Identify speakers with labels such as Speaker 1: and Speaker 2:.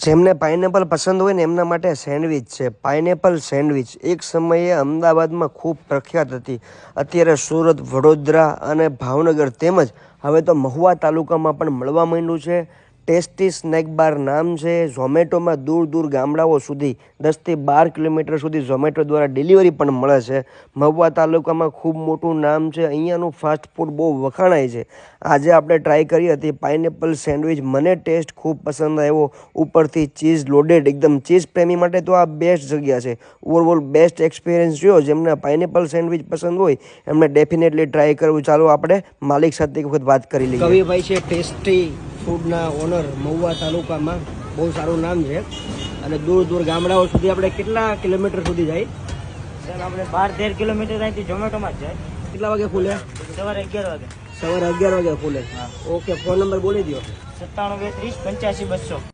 Speaker 1: જેમને પાઇનેપલ પસંદ હોય ને એમના માટે સેન્ડવિચ છે. પાઇનેપલ સેન્ડવિચ એક સમયે અમદાવાદમાં ખૂબ પ્રખ્યાત હતી. અત્યારે સુરત, વડોદરા અને ભાવનગર તેમજ હવે તો મહુવા તાલુકામાં પણ મળવા માંડ્યું છે. ટેસ્ટી સ્નેક બાર નામ છે. ઝોમેટોમાં દૂર દૂર ગામડાઓ સુધી 10થી 12 કિલોમીટર સુધી ઝોમેટો દ્વારા ડિલિવરી પણ મળે છે. મહુવા તાલુકામાં ખૂબ મોટું નામ છે. અહીંયાનું ફાસ્ટ ફૂડ બહુ વખાણાય છે. આજે આપણે ટ્રાય કરી હતી પાઇનેપલ સેન્ડવિચ. મને ટેસ્ટ ખૂબ પસંદ આવ્યો. ઉપરથી ચીઝ લોડેડ, એકદમ ચીઝ પ્રેમી માટે તો આ બેસ્ટ જગ્યા છે. ઓવરઓલ બેસ્ટ એક્સપિરિયન્સ રહ્યો. જેમને પાઇનેપલ સેન્ડવિચ પસંદ હોય એમને ડેફિનેટલી ટ્રાય કરવું. ચાલો આપણે માલિક સાથે એક વખત વાત કરી લઈએ. કવિભાઈ છે ટેસ્ટી ફૂડના ઓનર મહુવા તાલુકામાં. બહુ સારું નામ છે અને દૂર દૂર ગામડાઓ સુધી આપણે કેટલા કિલોમીટર સુધી જાય?
Speaker 2: સર આપણે 12-13 કિલોમીટર અહીંથી ઝોમેટોમાં જ જાય.
Speaker 1: કેટલા વાગે ખુલે?
Speaker 2: સવારે 11 વાગે.
Speaker 1: સવારે 11 વાગે ખુલે. ઓકે, ફોન નંબર બોલી દો.
Speaker 2: 97 230 85 200.